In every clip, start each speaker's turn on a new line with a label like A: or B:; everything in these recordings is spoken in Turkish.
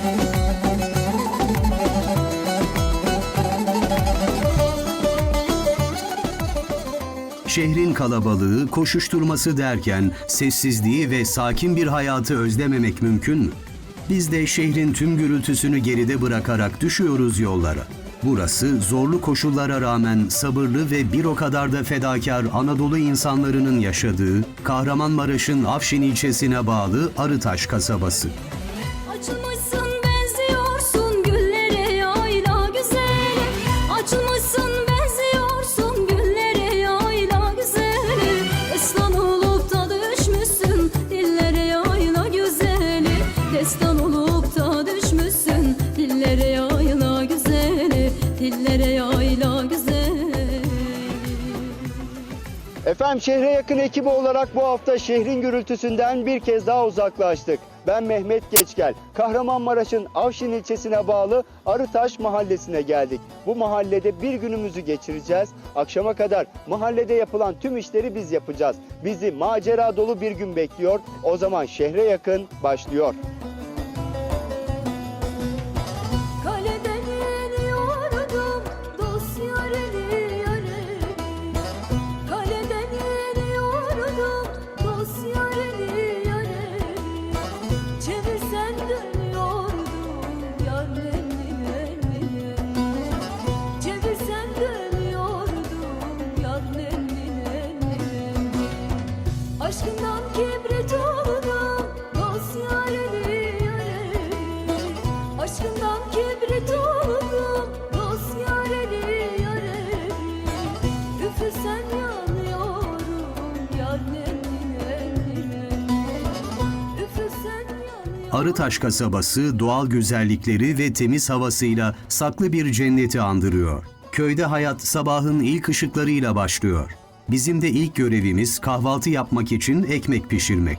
A: Şehrin kalabalığı, koşuşturması derken sessizliği ve sakin bir hayatı özlememek mümkün mü? Biz de şehrin tüm gürültüsünü geride bırakarak düşüyoruz yollara. Burası zorlu koşullara rağmen sabırlı ve bir o kadar da fedakar Anadolu insanlarının yaşadığı Kahramanmaraş'ın Afşin ilçesine bağlı Arıtaş kasabası.
B: Açılmışsın benziyorsun güllere yayla güzeli. Açılmışsın benziyorsun güllere yayla güzeli. Destan olup da düşmüşsün dillere yayla güzeli. Destan olup da düşmüşsün dillere yayla güzeli. Dillere yayla güzeli.
C: Efendim şehre yakın ekibi olarak bu hafta şehrin gürültüsünden bir kez daha uzaklaştık. Ben Mehmet Geçgel. Kahramanmaraş'ın Afşin ilçesine bağlı Arıtaş mahallesine geldik. Bu mahallede bir günümüzü geçireceğiz. Akşama kadar mahallede yapılan tüm işleri biz yapacağız. Bizi macera dolu bir gün bekliyor. O zaman şehre yakın başlıyor.
B: Kaleden iniyordum dost yareli yareli. Kaleden iniyordum dost yareli yareli. Çevirsen dönüyordum yar elini elini. Çevirsen dönüyordum yar elini elini. Aşkından kibrit oldum dost yareli yareli. Aşkından kibrit oldum dost yareli yareli. Üfürsen yanıyorum yar elini elini. Üfürsen yanıyorum.
A: Arıtaş kasabası doğal güzellikleri ve temiz havasıyla saklı bir cenneti andırıyor. Köyde hayat sabahın ilk ışıklarıyla başlıyor. Bizim de ilk görevimiz kahvaltı yapmak için ekmek pişirmek.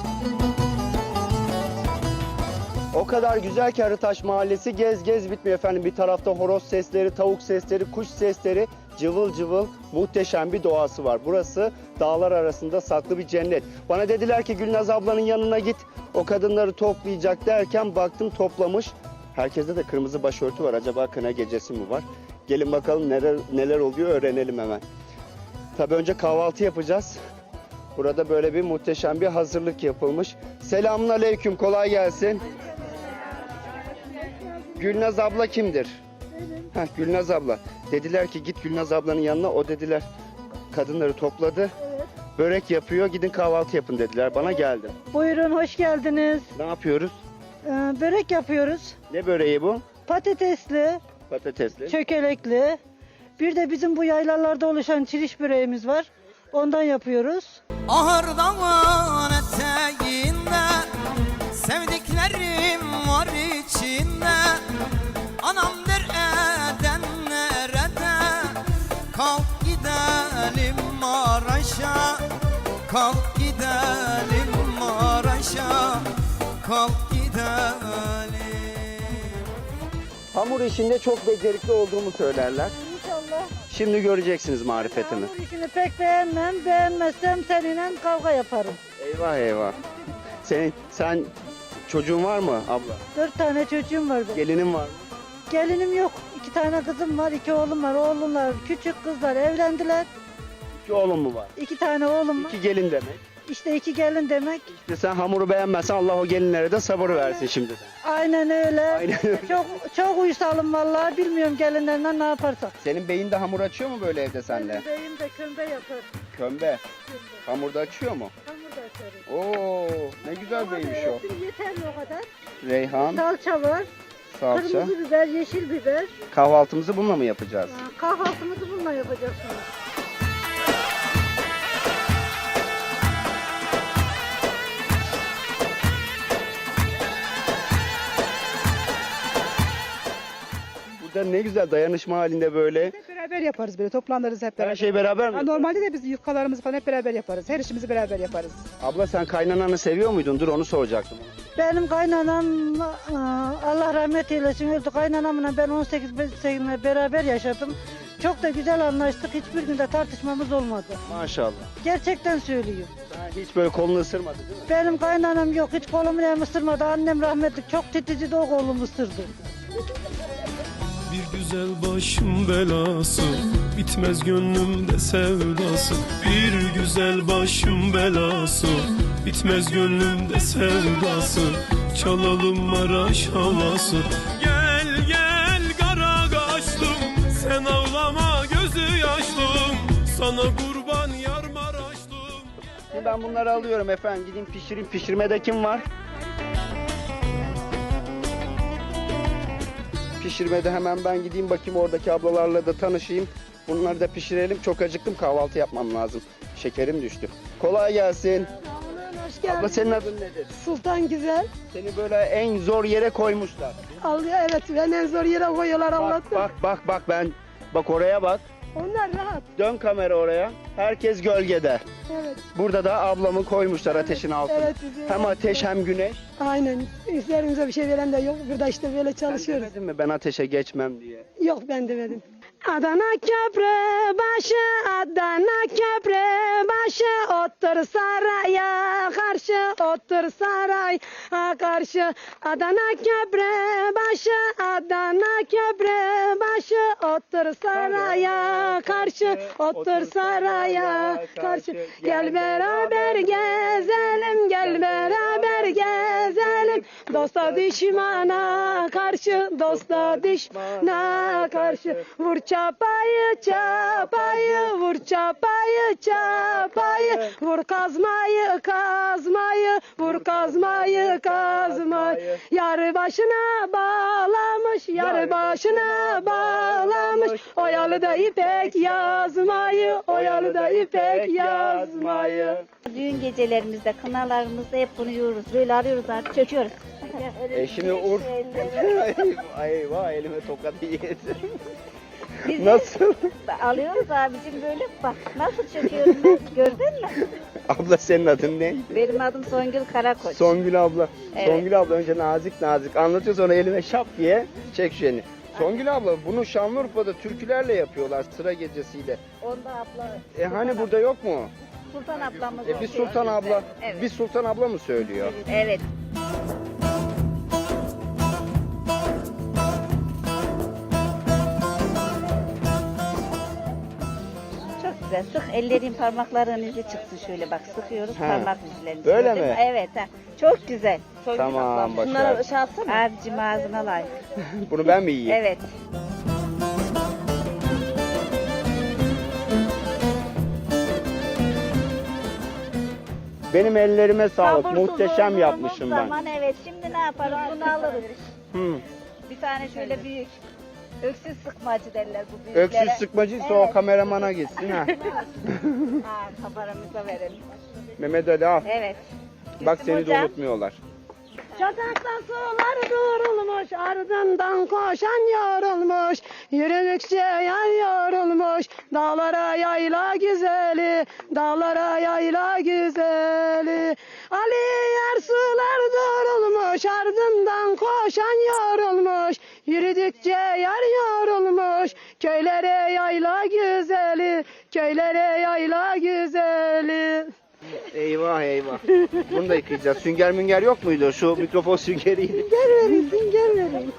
C: O kadar güzel ki Arıtaş Mahallesi gez gez bitmiyor efendim. Bir tarafta horoz sesleri, tavuk sesleri, kuş sesleri, cıvıl cıvıl muhteşem bir doğası var. Burası dağlar arasında saklı bir cennet. Bana dediler ki Gülnaz ablanın yanına git, o kadınları toplayacak derken baktım toplamış. Herkeste de kırmızı başörtü var. Acaba kına gecesi mi var? Gelin bakalım neler oluyor öğrenelim hemen. Tabii önce kahvaltı yapacağız. Burada böyle bir muhteşem bir hazırlık yapılmış. Selamünaleyküm, kolay gelsin. Gülnaz abla kimdir? Heh, Gülnaz abla. Dediler ki git Gülnaz ablanın yanına. O dediler kadınları topladı. Börek yapıyor, gidin kahvaltı yapın dediler. Bana geldim.
D: Buyurun, hoş geldiniz.
C: Ne yapıyoruz?
D: Börek yapıyoruz.
C: Ne böreği bu?
D: Patatesli,
C: Patatesli.
D: çökelekli. Bir de bizim bu yaylalarda oluşan çiriş böreğimiz var. Ondan yapıyoruz.
E: Ahırdan eteğinde sevdiklerim var içinde. Anam der eden nerede? Kalk gidelim Maraş'a. Kalk gidelim Maraş'a. Kalk gidelim.
C: Hamur işinde çok becerikli olduğumu söylerler.
D: İnşallah.
C: Şimdi göreceksiniz marifetimi.
D: Hamur işini pek beğenmem. Beğenmezsem seninle kavga yaparım.
C: Eyvah eyvah. Sen çocuğun var mı abla?
D: 4 tane çocuğum var benim.
C: Gelinin var mı?
D: Gelinim yok. 2 tane kızım var, 2 oğlum var. Oğlumlar, küçük kızlar evlendiler.
C: 2 oğlun mu var?
D: 2 tane oğlum var.
C: 2 gelin demek.
D: İşte 2 gelin demek.
C: İşte sen hamuru beğenmezsen Allah o gelinlere de sabır versin şimdiden.
D: Aynen öyle.
C: Aynen öyle.
D: Çok uysalım vallahi. Bilmiyorum gelinlerden ne yaparsak.
C: Senin beyin de hamur açıyor mu böyle evde senle?
D: Benim de kömbe yapar.
C: Kömbe. Hamurda açıyor mu?
D: Hamur da açarım.
C: Oo, ne güzel beymiş o.
D: Yeter mi o kadar?
C: Reyhan,
D: Salça var.
C: salça.
D: Kırmızı biber, yeşil biber.
C: Kahvaltımızı bununla mı yapacağız?
D: Kahvaltımızı bununla yapacaksınız.
C: Burada ne güzel dayanışma halinde böyle.
F: Hep beraber yaparız böyle toplanırız hep beraber.
C: Her şey beraber mi?
F: Ha, normalde de biz yufkalarımızı falan hep beraber yaparız. Her işimizi beraber yaparız.
C: Abla sen kaynananı seviyor muydun? Dur onu soracaktım.
D: Benim kaynanam Allah rahmet eylesin öldü. Kaynanamla ben 18 sene beraber yaşadım. Çok da güzel anlaştık. Hiçbir günde tartışmamız olmadı.
C: Maşallah.
D: Gerçekten söylüyorum.
C: Hiç böyle kolunu ısırmadı değil mi?
D: Benim kaynanam yok. Hiç kolumu nem ısırmadı. Annem rahmetli çok titizdi, o kolumu ısırdı.
G: Bir güzel başım belası, bitmez gönlümde sevdası. Bir güzel başım belası, bitmez gönlümde sevdası. Çalalım Maraş havası. Gel gel kara kaşlım, sen ağlama gözü yaşlım. Sana kurban yar Maraşlım.
C: Şimdi ben bunları alıyorum efendim. Gideyim pişireyim. Pişirmede kim var? Pişirmede hemen ben gideyim bakayım, oradaki ablalarla da tanışayım. Bunları da pişirelim. Çok acıktım, kahvaltı yapmam lazım. Şekerim düştü. Kolay gelsin.
H: Hoş geldin.
C: Abla senin adın nedir?
H: Sultan Güzel.
C: Seni böyle en zor yere koymuşlar.
H: Alıyor, evet, beni en zor yere koyuyorlar,
C: Bak
H: anlattım.
C: bak bak oraya bak.
H: Onlar rahat.
C: Dön kamera oraya. Herkes gölgede.
H: Evet,
C: Burada da ablamı koymuşlar ateşin altına.
H: evet. Bizim
C: Hem ateş hem güneş.
H: Aynen. Üzerimize bir şey veren de yok. Burada işte böyle
C: Sen
H: çalışıyoruz.
C: demedin mi ben ateşe geçmem diye?
H: Yok, ben demedim. Adana köprü başı, Adana köprü başı, otur saraya karşı, otur saraya karşı. Adana köprü başı, Adana köprü başı, otur saraya karşı, otur saraya karşı. Gel beraber gezelim, gel beraber gezelim. Dosta düşmana karşı, dosta düşmana karşı. Vur çapayı çapayı, vur çapayı çapayı, vur kazmayı kazmayı, vur kazmayı kazmayı. Yarı başına bağlamış, yarı başına bağlamış. Oyalı da ipek yazmayı, oyalı da ipek yazmayı.
I: Düğün gecelerimizde, kınalarımızda hep bunu yiyoruz. Böyle arıyoruz artık, çöküyoruz.
C: Şimdi Eyvah elime tokat yedi.
I: Biz
C: Nasıl?
I: alıyoruz abicim böyle, bak nasıl çöküyorum ben, gördün mü?
C: Abla senin adın ne?
I: Benim adım Songül Karakoç.
C: Songül abla.
I: Evet.
C: Songül abla önce nazik nazik anlatıyor, sonra elime şap diye çek şu elini. Songül abla bunu Şanlıurfa'da türkülerle yapıyorlar, sıra gecesiyle.
I: Onda abla.
C: Hani burada yok mu?
I: Sultan ablamız
C: Bir
I: okuyor
C: Sultan
I: bizde.
C: abla,
I: Evet.
C: bir Sultan abla mı söylüyor?
I: Evet. Çok güzel. Sık, ellerin parmakların izi çıksın şöyle, bak sıkıyoruz
C: He.
I: parmak izlerini.
C: Böyle
I: Gördün
C: mi?
I: mü? Evet. Ha. Çok güzel. Songül
C: Tamam,
I: ablam.
C: başarılı.
I: Bunları şey yapsana. Abicim ağzına layık.
C: Bunu ben mi yiyeyim?
I: Evet.
C: Benim ellerime sağlık.
I: Sabursuz
C: Muhteşem
I: olduğumuz
C: yapmışım ben.
I: zaman evet, şimdi ne yaparız? Bunu alırız.
C: Hı.
I: Bir tane şöyle büyük. Öksüz sıkmacı derler bu büyüklere.
C: Öksüz sıkmacıysa o kameramana gitsin ha.
I: Ha, kameramıza verelim.
C: Mehmet Ali al.
I: Evet.
C: Bak
I: Gülsüm
C: seni de
I: hocam.
C: unutmuyorlar.
H: Çatakta sular durulmuş, ardından koşan yorulmuş. Yürüdükçe yan yorulmuş, dağlara yayla güzeli, dağlara yayla güzeli. Ali yer sular durulmuş, ardından koşan yorulmuş. Yürüdükçe yar yorulmuş, köylere yayla güzeli, köylere yayla güzeli.
C: Eyvah eyvah. Bunu da yıkayacağız. Sünger münger yok muydu? Şu mikrofon süngeriydi.
D: Gel vereyim.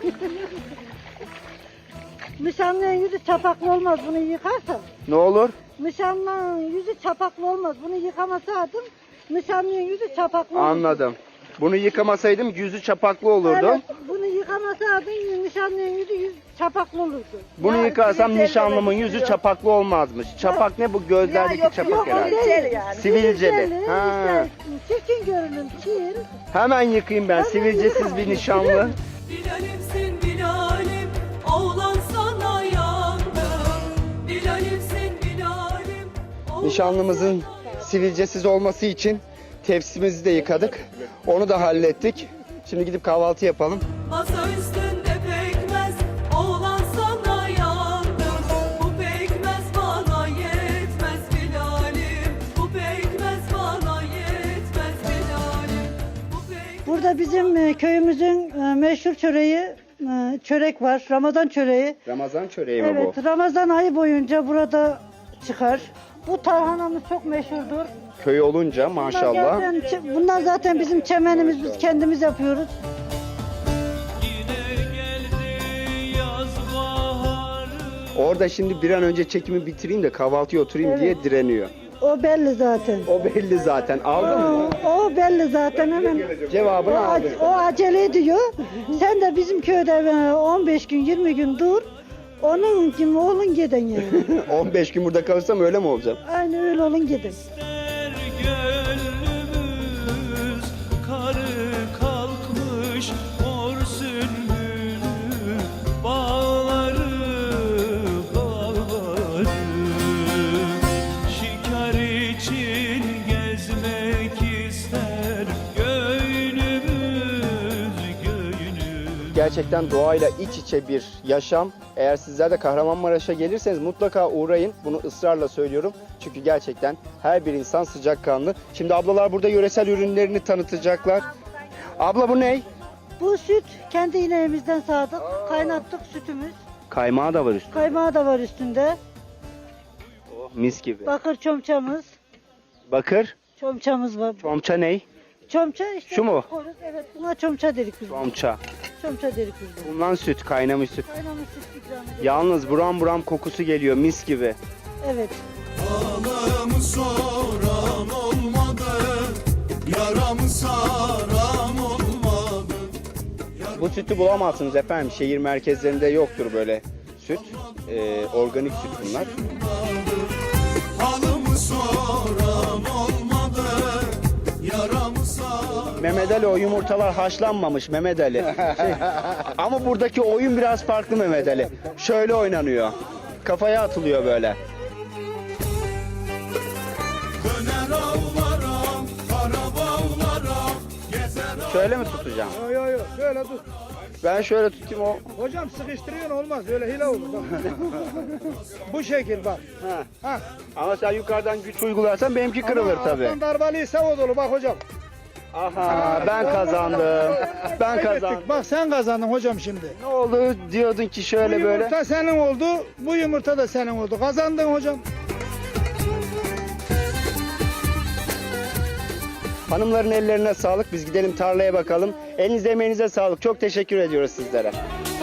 D: Nişanlının yüzü çapaklı olmaz bunu yıkarsan.
C: Ne olur?
D: Nişanlının yüzü çapaklı olmaz. Bunu yıkamasaydım nişanlının yüzü çapaklı olurdu.
C: Anladım. Bunu yıkamasaydım yüzü çapaklı olurdu.
D: Evet, bunu yıkamasaydın nişanlının yüzü çapaklı olurdu.
C: Bunu
I: Ya,
C: yıkarsam
I: sivilceli
C: nişanlımın
I: demek
C: yüzü
I: istiyor.
C: çapaklı olmazmış. Çapak ne bu? Gözlerdeki çapak herhalde.
I: Sivilceli yani.
C: Sivilceli. Ha.
D: işte çirkin görünüm, çir.
C: Hemen yıkayayım ben. Sivilcesiz bir nişanlı.
J: Bilal'imsin Bilal'im, oğlan sana yandım. Bilal'imsin Bilal'im, oğlan
C: Nişanlımızın sivilcesiz olması için tepsimizi de yıkadık. Onu da hallettik. Şimdi gidip kahvaltı yapalım.
J: masa üstünde pekmez, oğlan sana yandım. Bu pekmez bana yetmez Bilal'im, bu pekmez bana yetmez Bilal'im. Bu pekmez
D: Burada bizim köyümüzün meşhur çöreği, çörek var. Ramazan çöreği.
C: Ramazan çöreği mi bu?
D: Evet, Ramazan ayı boyunca burada çıkar. Bu tarhanamız çok meşhurdur.
C: Köy olunca maşallah.
D: Bunlar zaten bizim çemenimiz, biz kendimiz yapıyoruz.
G: Yine geldi yaz baharı.
C: Orada şimdi bir an önce çekimi bitireyim de kahvaltıya oturayım diye direniyor.
D: O belli zaten.
C: O belli zaten. Aldın mı?
D: O belli zaten hemen.
C: Cevabını aldı.
D: O acele ediyor. Sen de bizim köyde 15 gün 20 gün dur. Onun gibi olun gidin yani.
C: 15 gün burada kalırsam öyle mi olacağım?
D: Aynı öyle olun gidin.
G: Der gönlümüz karı kalkmış mor sümbülü bağları bağları şikar için gezmek ister göynümüz göynümüz.
C: Gerçekten doğayla iç içe bir yaşam. Eğer sizler de Kahramanmaraş'a gelirseniz mutlaka uğrayın. Bunu ısrarla söylüyorum. Çünkü gerçekten her bir insan sıcakkanlı. Şimdi ablalar burada yöresel ürünlerini tanıtacaklar. Abla bu ne?
D: Bu süt kendi ineğimizden sağdık. Kaynattık sütümüz.
C: Kaymağı da var üstünde.
D: Kaymağı da var üstünde.
C: Mis gibi.
D: Bakır çomçamız.
C: Bakır.
D: Çomçamız var.
C: Çomça ne?
D: Çomça işte.
C: Şu mu?
D: koyuyoruz. Evet, buna çomça dedik biz.
C: Çomça.
D: Çomça dedik biz.
C: Bundan süt, kaynamış süt.
D: Kaynamış süt ikram ediyoruz.
C: Yalnız buram buram kokusu geliyor mis gibi.
D: Evet.
G: Ağlamı soran olmadı, yaramı saran olmadı.
C: Bu sütü bulamazsınız efendim. Şehir merkezlerinde yoktur böyle süt. Organik süt bunlar.
G: Halımı soran olmadı, yaramı saran.
C: Mehmet Ali o yumurtalar haşlanmamış Mehmet Ali. Ama buradaki oyun biraz farklı Mehmet Ali. Şöyle oynanıyor. Kafaya atılıyor böyle.
G: Döner ağlara, kara bağlara, gezer
C: Şöyle mi tutacağım?
F: Yok yok şöyle tut.
C: Ben şöyle tutayım o.
F: Hocam sıkıştırıyorsun olmaz öyle hile olur bak. Bu şekil bak.
C: Ha.
F: Ha.
C: Ama sen yukarıdan güç uygularsan benimki kırılır
F: Ama
C: tabii.
F: alttan darbalıysa o dolu bak hocam.
C: Aha ben kazandım. Ben kazandım.
F: Kaybettik. Bak sen kazandın hocam şimdi.
C: Ne oldu diyordun ki
F: Bu
C: şöyle böyle.
F: yumurta senin oldu, bu yumurta da senin oldu. Kazandın hocam.
C: Hanımların ellerine sağlık. Biz gidelim tarlaya bakalım. Elinize emeğinize sağlık. Çok teşekkür ediyoruz sizlere.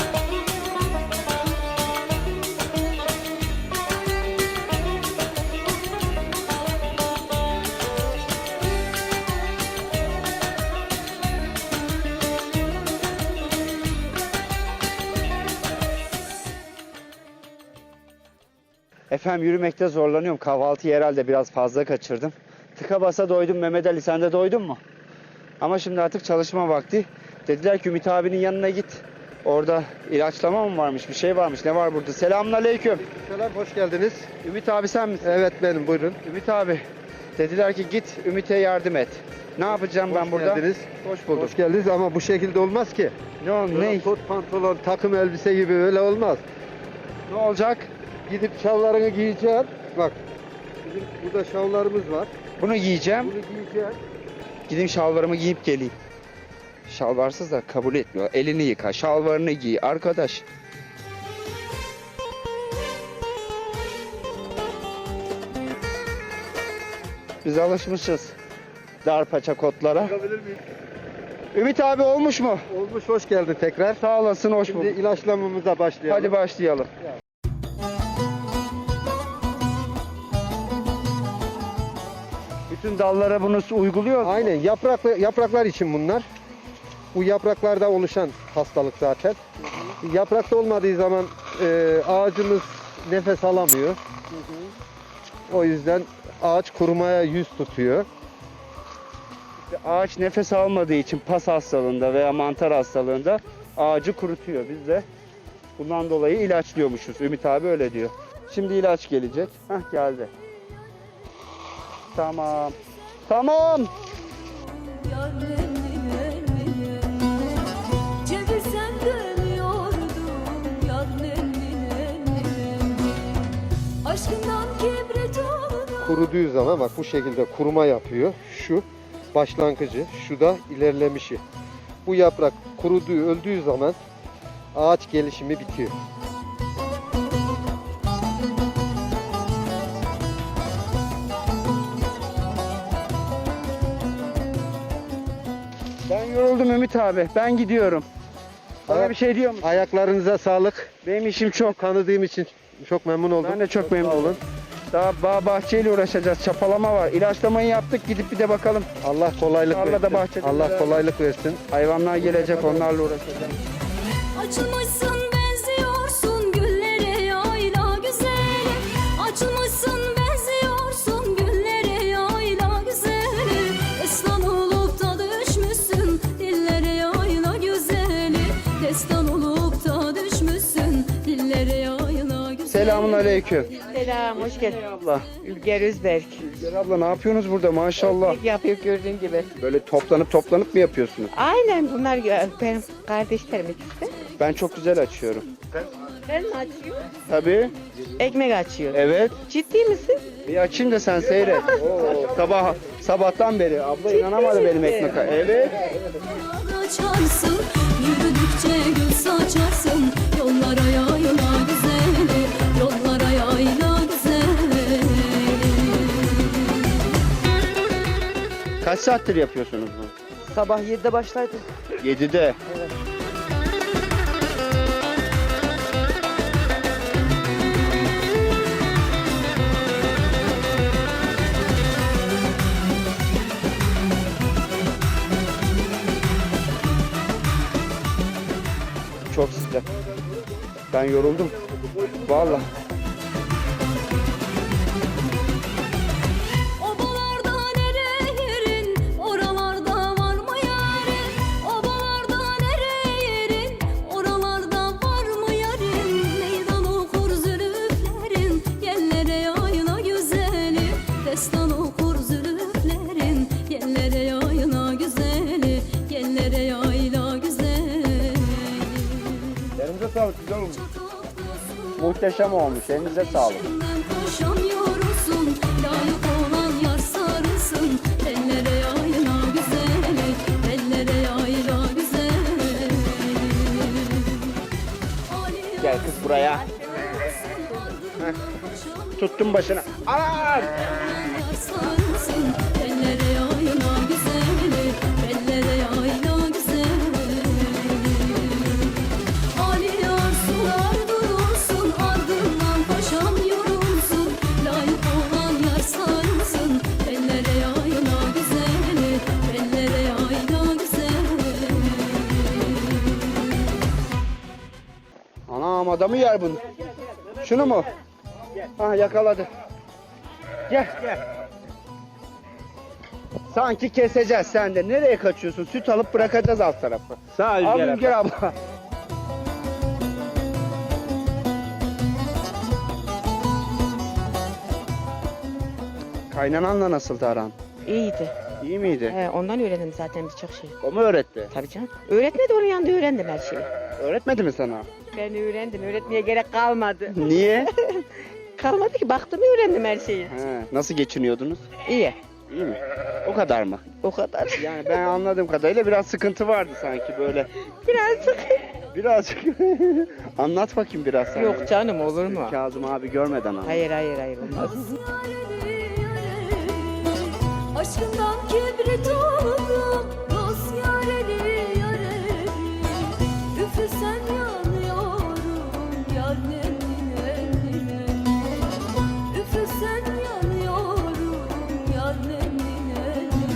C: Efendim yürümekte zorlanıyorum. Kahvaltıyı herhalde biraz fazla kaçırdım. Tıka basa doydum Mehmet Ali. Sen de doydun mu? Ama şimdi artık çalışma vakti. Dediler ki Ümit abinin yanına git. Orada ilaçlama mı varmış? Bir şey varmış. Ne var burada? Selamünaleyküm.
K: Selam, hoş geldiniz.
C: Ümit abi sen misin?
K: Evet benim, buyurun.
C: Ümit abi. Dediler ki git Ümit'e yardım et. Ne yapacağım ben burada?
K: Geldiniz.
C: Hoş bulduk.
K: Hoş geldiniz ama bu şekilde olmaz ki.
C: Ne oldu? Ne?
K: Kot pantolon, takım elbise gibi öyle olmaz.
C: Ne olacak?
K: Gidip şallarını giyeceksin. Bak, bizim burada şallarımız var.
C: Bunu giyeceğim.
K: Bunu giyeceksin.
C: Gideyim şalvarımı giyip geleyim. Şalvarsız da kabul etmiyor. Elini yıka, şalvarını giy arkadaş. Biz alışmışız dar paça kotlara.
K: Bakabilir miyim?
C: Ümit abi olmuş mu?
K: Olmuş, hoş geldin tekrar.
C: Sağ olasın, hoş
K: Şimdi
C: bulduk.
K: ilaçlamamıza başlayalım.
C: Hadi başlayalım. Bütün dallara bunu uyguluyor mu?
K: Aynen, yapraklar için bunlar. Bu yapraklarda oluşan hastalık zaten. Yaprakta olmadığı zaman ağacımız nefes alamıyor. O yüzden ağaç kurumaya yüz tutuyor.
C: Ağaç nefes almadığı için pas hastalığında veya mantar hastalığında ağacı kurutuyor. Biz de bundan dolayı ilaçlıyormuşuz. Ümit abi öyle diyor. Şimdi ilaç gelecek. Hah geldi. Tamam. Tamam.
B: Yar nenni nenni, çevirsen dönüyordum. Yar nenni nenni, aşkından kibrit oldu.
K: Kuruduğu zaman bak bu şekilde kuruma yapıyor. Şu başlangıcı, şu da ilerlemişi. Bu yaprak kuruduğu, öldüğü zaman ağaç gelişimi bitiyor.
C: Ben yoruldum Ümit abi. Ben gidiyorum. Bana bir şey diyor musun?
K: Ayaklarınıza sağlık.
C: Benim işim çok.
K: Tanıdığım için çok memnun oldum.
C: Ben de çok memnun oldum. Daha bağ bahçeyle uğraşacağız. Çapalama var. İlaçlamayı yaptık. Gidip bir de bakalım.
K: Allah kolaylık
C: Tarlada,
K: versin.
C: bahçede
K: Allah
C: beraber.
K: kolaylık versin.
C: Hayvanlar gelecek. Onlarla uğraşacağız.
B: Açılmışsın benziyorsun güllere yayla güzeli. Açılmışsın benziyorsun güllere yayla güzeli. Destan olup da düşmüşsün dillere yayla güzeli. Destan olup da düşmüşsün dillere yayla güzeli.
C: Selamun aleyküm.
H: Selam, hoş geldin.
C: Abla.
H: Ülger Özberk.
C: Gel abla ne yapıyorsunuz burada maşallah.
H: Yapıyor gördüğün gibi.
C: Böyle toplanıp mı yapıyorsunuz?
H: Aynen bunlar benim kardeşlerim ikisi.
C: Ben çok güzel açıyorum.
H: Ben mi açıyorum?
C: Tabii.
H: Ekmek açıyor.
C: Evet.
H: Ciddi misin?
C: Bir açayım da sen seyret. Sabahtan beri. Abla inanamadı benim ekmek. Evet.
B: Açarsın, yürüdükçe gül saçarsın. Yollara yayla güzeli, yollara yayla güzeli.
C: Kaç saattir yapıyorsunuz bunu?
H: Sabah 7'de başlardı.
C: 7'de. Çok sıcak. Ben yoruldum. Vallahi.
B: Obalarda nere yerin, oralarda var mı yarin? Obalarda nere yerin, oralarda var mı yarin? Meydan okur zülüflerin, yerlere yayla güzeli. Destan okur zülüflerin, yerlere yayla güzeli. Yerlere yayla güzeli.
C: Elinize sağlık, güzel olmuş. Muhteşem olmuş. Elinize sağlık.
B: Peşinden koşamıyorsun, layık olan yar sarılsın. Ellere yayla güzeli, ellere yayla güzeli.
C: Gel kız buraya. Tuttum başına. Aa!
B: Yar sarılsın, ellere yayla güzeli, ellere yayla güzeli. Ali yar sular durulsun, ardından paşam yorulsun. Layık olan yar sarılsın, ellere yayla güzeli, ellere yayla güzeli.
C: Anam adamı yer bunu. Şunu mu? Ah yakaladı. Gel. Sanki keseceğiz sen de. Nereye kaçıyorsun? Süt alıp bırakacağız alt tarafı.
F: Sağ ol
C: Al
F: Ülger
C: Ülger
F: abla.
C: abla. Kaynananla nasıldı aran?
H: İyiydi.
C: İyi miydi?
H: Ondan öğrendim zaten birçok şey.
C: O mu öğretti?
H: Tabii canım. Öğretmedi, onun yanında öğrendim her şeyi.
C: Öğretmedi mi sana?
H: Ben öğrendim, öğretmeye gerek kalmadı.
C: Niye?
H: Kalmadı ki, baktım öğrendim her şeyi.
C: He, nasıl geçiniyordunuz?
H: İyi,
C: İyi mi? O kadar mı?
H: o kadar.
C: Yani ben anladığım kadarıyla biraz sıkıntı vardı sanki böyle.
H: Birazcık.
C: Birazcık. Anlat bakayım biraz sen.
H: Yok canım, olur mu?
C: Kazım abi görmeden anlat.
H: Hayır, olmaz.
B: Aşkından kibrit oldum, dost yareli yareli. Üfürsen yanıyorum, yar nemli nemli. Üfürsen yanıyorum, yar nemli nemli.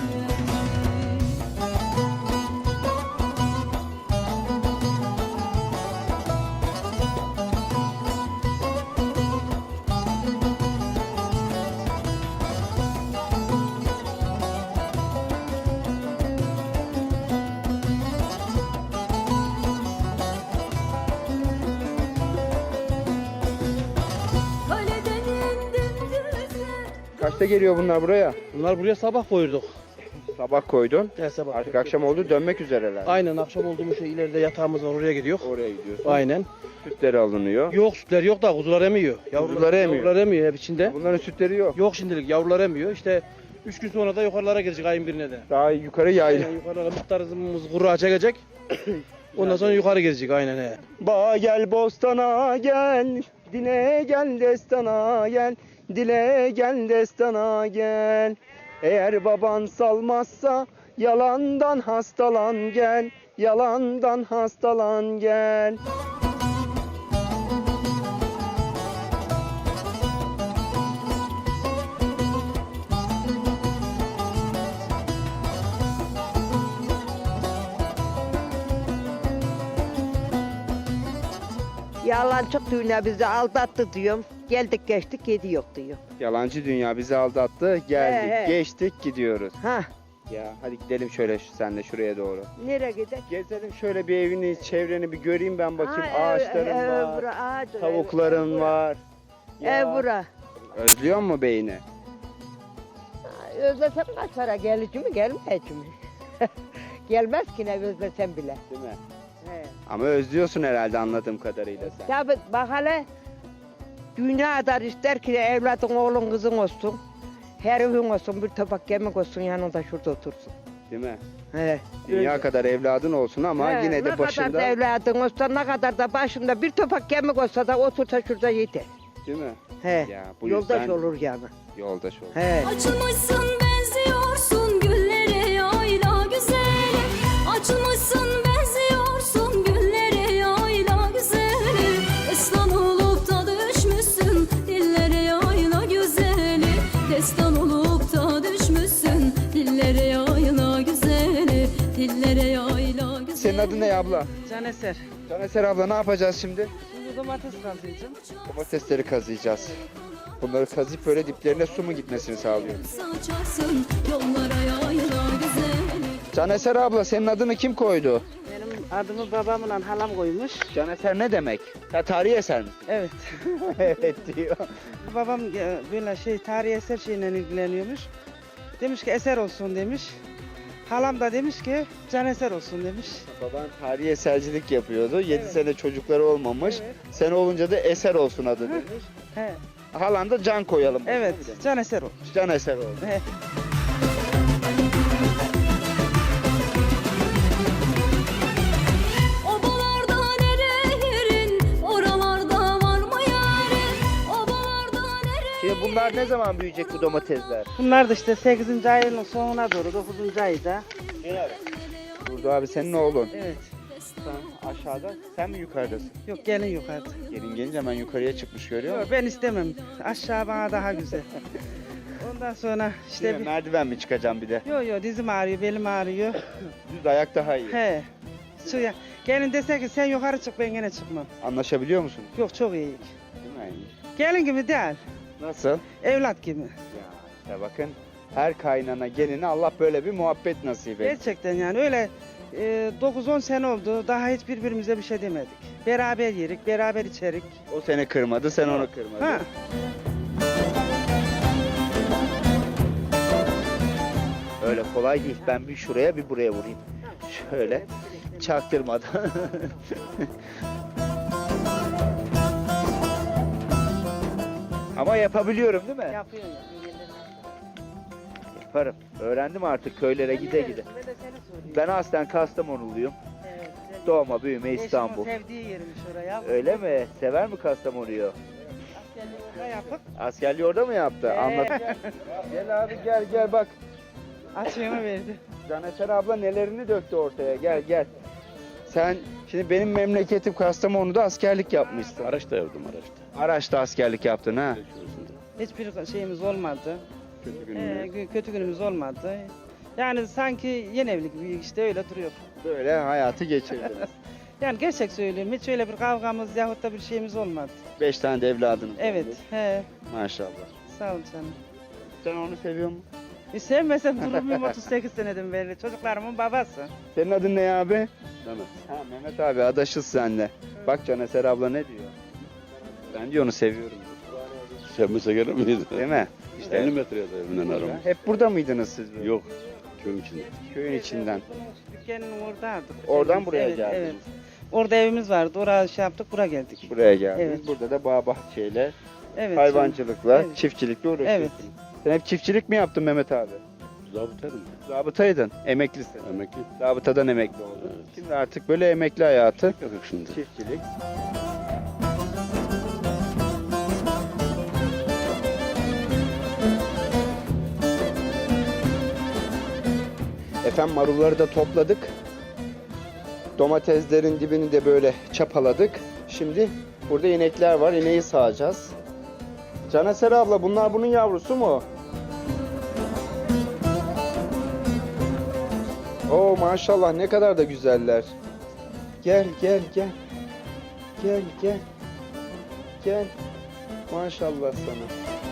B: Kaleden indim düze.
C: Kaçta geliyor bunlar buraya?
F: Bunlar buraya sabah koyduk.
C: Sabah koydun.
F: Gel sabah.
C: Artık akşam oldu dönmek üzereler.
F: Aynen, akşam olduğumuz şey ileride yatağımız var, oraya gidiyor.
C: Oraya gidiyorsun.
F: Aynen.
C: Sütleri alınıyor.
F: Yok, sütler yok da kuzular emiyor.
C: Kuzular emiyor.
F: Yavrular emiyor hep içinde.
C: Bunların sütleri yok.
F: Yok şimdilik, yavrular emiyor. İşte 3 gün sonra da yukarılara girecek ayın birine de.
C: Daha yukarı yayla.
F: Yukarılara muhtarımız kuru çekecek. Ondan sonra yukarı gelecek aynen he.
C: Ba gel bostana gel, dile gel destana gel, dile gel destana gel. Eğer baban salmazsa yalandan hastalan gel, yalandan hastalan gel.
H: Yalan çok dünya bizi aldattı diyorum. Geldik geçtik yedi yok diyor.
C: Yalancı dünya bizi aldattı, geldik,
H: He, he.
C: geçtik, gidiyoruz.
H: Ha,
C: Ya hadi gidelim şöyle senle şuraya doğru.
H: nereye gidelim?
C: Gezelim şöyle bir evini, çevreni bir göreyim ben bakayım. Ağaçların var,
H: Bura, ağaç,
C: tavukların var.
H: Ev bura.
C: Özlüyor mu beyni?
H: Özlesem kaç para gelici mi gelmeyecek mi? Gelmez ki ne özlesem bile.
C: Değil mi?
H: He.
C: Ama özlüyorsun herhalde anladığım kadarıyla sen.
H: Tabi bak hele dünya kadar ister ki evladın oğlun kızın olsun. Her evin olsun bir tabak yemek olsun yanında şurada otursun.
C: Değil mi?
H: He.
C: Dünya kadar evladın olsun ama
H: He,
C: yine
H: ne
C: de
H: kadar
C: başında.
H: da evladın olsa ne kadar da başında bir tabak yemek olsa da otursa şurada yeter.
C: Değil mi?
H: He.
C: Ya bu
H: Yoldaş
C: yüzden
H: olur yani.
C: yoldaş olur.
H: He.
B: Açılmışsın benziyorsun güllere yayla güzeli. Açılmışsın benziyorsun güllere yayla güzeli. Destan olup da düşmüşsün dillere yayla güzeli. Destan olup da düşmüşsün dillere yayla güzeli. Dillere yayla güzeli.
C: Senin adın ne abla?
F: Caneser.
C: Caneser abla ne yapacağız şimdi?
F: Şimdi domates kazıyacağım.
C: Domatesleri kazıyacağız. Bunları kazıyıp böyle diplerine su mu gitmesini sağlıyoruz.
B: Saçarsın yollara yayla güzeli.
C: Caneser abla senin adını kim koydu?
H: Benim adımı babamla halam koymuş.
C: Caneser ne demek? Ha, tarihi eser mi?
H: Evet.
C: Evet diyor.
H: Babam böyle tarihi eser şeyle ilgileniyormuş. Demiş ki eser olsun demiş. Halam da demiş ki can eser olsun demiş.
C: Baban tarihi esercilik yapıyordu. 7
H: Evet.
C: sene çocukları olmamış.
H: Evet.
C: Sen olunca da eser olsun adı demiş.
H: He.
C: Halan da can koyalım.
H: Evet, can eser olmuş.
C: Can eser oldu.
H: He.
B: Obalarda nere yerin, oralarda var mı yarin? Obalarda nere
C: Şimdi bunlar ne zaman büyüyecek bu domatesler?
H: Bunlar da işte 8. ayın sonuna doğru 9. ayda.
C: Burada abi senin oğlun.
H: Evet.
C: Sen aşağıda, sen mi yukarıdasın?
H: Yok gelin yukarıda.
C: Gelin gelince hemen yukarıya çıkmış görüyor
H: Yok
C: musun?
H: ben istemem. Aşağı bana daha güzel. Ondan sonra
C: İşte
H: işte
C: merdiven mi çıkacağım bir de?
H: Yok dizim ağrıyor, belim ağrıyor.
C: Düz ayak daha iyi.
H: He. Suya. Gelin dese ki sen yukarı çık ben gene çıkmam.
C: Anlaşabiliyor musun?
H: Yok çok iyi.
C: Değil mi?
H: Gelin gibi değil.
C: Nasıl?
H: Evlat gibi.
C: Ya bakın her kaynana geline Allah böyle bir muhabbet nasip etsin.
H: Gerçekten yani öyle 9-10 sene oldu. Daha hiç birbirimize bir şey demedik. Beraber yerik, beraber içerik.
C: O seni kırmadı, sen onu kırmadın.
H: Ha.
C: Öyle kolay değil. Ben bir şuraya bir buraya vurayım. Şöyle çaktırmadan. Ama yapabiliyorum değil mi?
H: Yapıyorum.
C: Yaparım. Öğrendim artık köylere gide gide. Ben aslen Kastamonuluyum. Doğma büyüme İstanbul.
H: Eşimin sevdiği yermiş oraya.
C: Öyle mi? Sever mi Kastamonu'yu?
H: Orada yapıp
C: Askerliği orada mı yaptı? Anlat. Gel abi gel bak.
H: açığımı verdi.
C: Caneser abla nelerini döktü ortaya. Gel. Sen şimdi benim memleketim Kastamonu'da askerlik yapmışsın.
L: Araçta yaptım araçta.
C: Araç'ta askerlik yaptın ha.
H: Hiçbir şeyimiz olmadı.
L: Kötü günümde.
H: Kötü günümüz olmadı. Yani sanki yeni evlilik gibi işte öyle duruyor.
C: Böyle hayatı geçirdiniz.
H: Yani gerçek söylüyorum hiç öyle bir kavgamız yahut da bir şeyimiz olmadı.
C: 5 tane de evladınız
H: Evet,
C: olmuş.
H: he,
C: Maşallah.
H: sağ ol canım.
C: Sen onu seviyor musun?
H: Sevmesem durur muyum 38 seneden beri çocuklarımın babası.
C: Senin adın ne abi?
L: Mehmet.
C: Ha Mehmet abi adaşız senle. Bak Caneser abla ne diyor? Ben diyor onu seviyorum.
L: Sevmese gelir miyiz?
C: Değil mi?
L: İşte 50 metre ya da evinden aramız.
C: Hep burada mıydınız siz? Böyle?
L: Yok. Köyün içinde.
C: Köyün içinden.
H: Dükkanın oradaydık.
C: Oradan buraya
H: Evet,
C: geldiniz.
H: evet. Orada evimiz vardı. Oraya şey yaptık, buraya geldik.
C: Buraya geldiniz.
H: Evet.
C: Burada da bağ bahçeyle,
H: Evet.
C: hayvancılıkla,
H: Evet.
C: çiftçilikle uğraşıyorsunuz. Sen hep çiftçilik mi yaptın Mehmet abi?
L: Zabıtaydım.
C: Zabıtaydın, emeklisin.
L: Emekli.
C: Zabıtadan emekli oldun. Şimdi artık böyle emekli hayatı,
L: Yok şimdi.
C: çiftçilik. Efendim marulları da topladık. Domateslerin dibini de böyle çapaladık. Şimdi burada inekler var. İneği sağacağız. Caneser abla bunlar bunun yavrusu mu? Oo maşallah ne kadar da güzeller. Gel gel gel. Gel gel. Gel. Maşallah sana.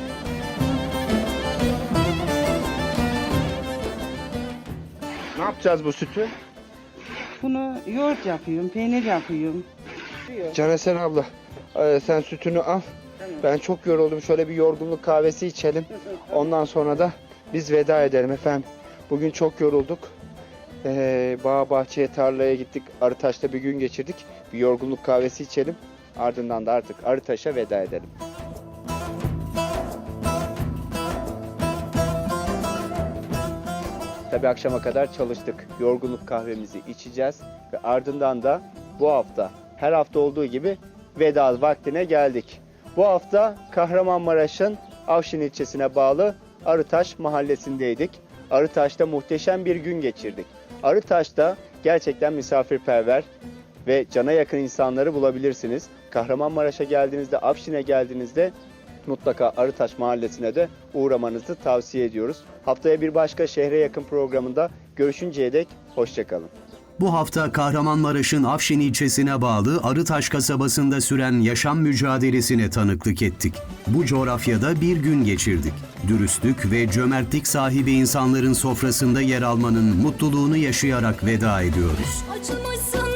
C: Ne yapacağız bu sütü?
H: Bunu yoğurt yapıyorum, peynir yapıyorum.
C: Caneser abla sen sütünü al. Ben çok yoruldum. Şöyle bir yorgunluk kahvesi içelim. Ondan sonra da biz veda edelim efendim. Bugün çok yorulduk. Bağ bahçeye tarlaya gittik. Arıtaş'ta bir gün geçirdik. Bir yorgunluk kahvesi içelim. Ardından da artık Arıtaş'a veda edelim. Tabii akşama kadar çalıştık. Yorgunluk kahvemizi içeceğiz. Ve ardından da bu hafta her hafta olduğu gibi veda vaktine geldik. Bu hafta Kahramanmaraş'ın Afşin ilçesine bağlı Arıtaş mahallesindeydik. Arıtaş'ta muhteşem bir gün geçirdik. Arıtaş'ta gerçekten misafirperver ve cana yakın insanları bulabilirsiniz. Kahramanmaraş'a geldiğinizde, Afşin'e geldiğinizde mutlaka Arıtaş mahallesine de uğramanızı tavsiye ediyoruz. Haftaya bir başka şehre yakın programında görüşünceye dek hoşçakalın.
A: Bu hafta Kahramanmaraş'ın Afşin ilçesine bağlı Arıtaş kasabasında süren yaşam mücadelesine tanıklık ettik. Bu coğrafyada bir gün geçirdik. Dürüstlük ve cömertlik sahibi insanların sofrasında yer almanın mutluluğunu yaşayarak veda ediyoruz.
B: Açılmışsın